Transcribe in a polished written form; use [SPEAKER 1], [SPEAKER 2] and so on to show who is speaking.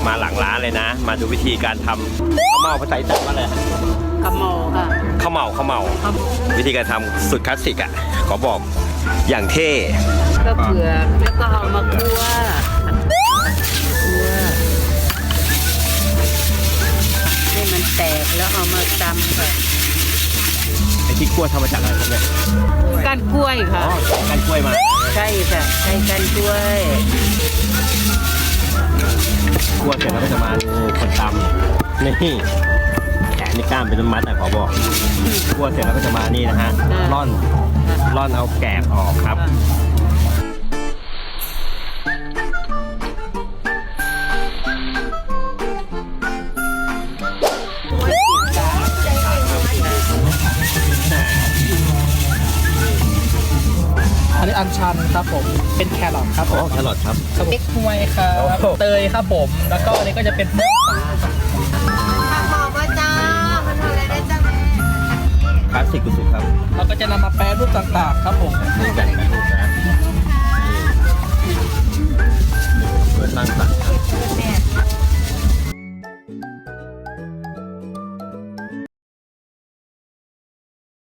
[SPEAKER 1] มาหลังร้านเลยนะ มาดูวิธีการทำข้าวเม่าภาษาอีสานว่าอะไร
[SPEAKER 2] กระโมค่ะ
[SPEAKER 1] ข้าวเม่าวิธีการทำสุดคลาสสิกอ่ะขอบอกอย่างเท่
[SPEAKER 2] ก็เผือกแล้วก็เอามาคั่วให้มันแตกแล้วเอามาตำค่ะ
[SPEAKER 1] ไอ้ที่กล้วยทำมาจากอะไรครับเนี่ย
[SPEAKER 2] ก้านกล้วยค่ะ
[SPEAKER 1] อ๋อการกล้วยมา
[SPEAKER 2] ใช่ค่ะใช้ก้านกล้วย
[SPEAKER 1] กล้วยเสร็จแล้วก็จะมาคนตำนี่แขนนี่กล้ามเป็นมัดนะขอบอกกล้วยเสร็จแล้วก็จะมานี่นะฮะร่อนเอาแกะออกครับ
[SPEAKER 3] อันนี้อัญชันครับผมเป็นแครอทครับ
[SPEAKER 1] อ๋อแครอทครับ
[SPEAKER 3] เล็กฮวยครับ
[SPEAKER 1] โอ้โห
[SPEAKER 3] เตยครับผมแล้วก็อันนี้ก็จะเป็นพวกปลาครับ
[SPEAKER 4] บอกว่าจ้า มันทำอะไรได้จ้าแม่
[SPEAKER 1] คลาสสิกสุดๆครับ
[SPEAKER 3] เราก็จะนำมาแปรรูปต่างๆครับผม
[SPEAKER 1] นี่แบบรูปนะ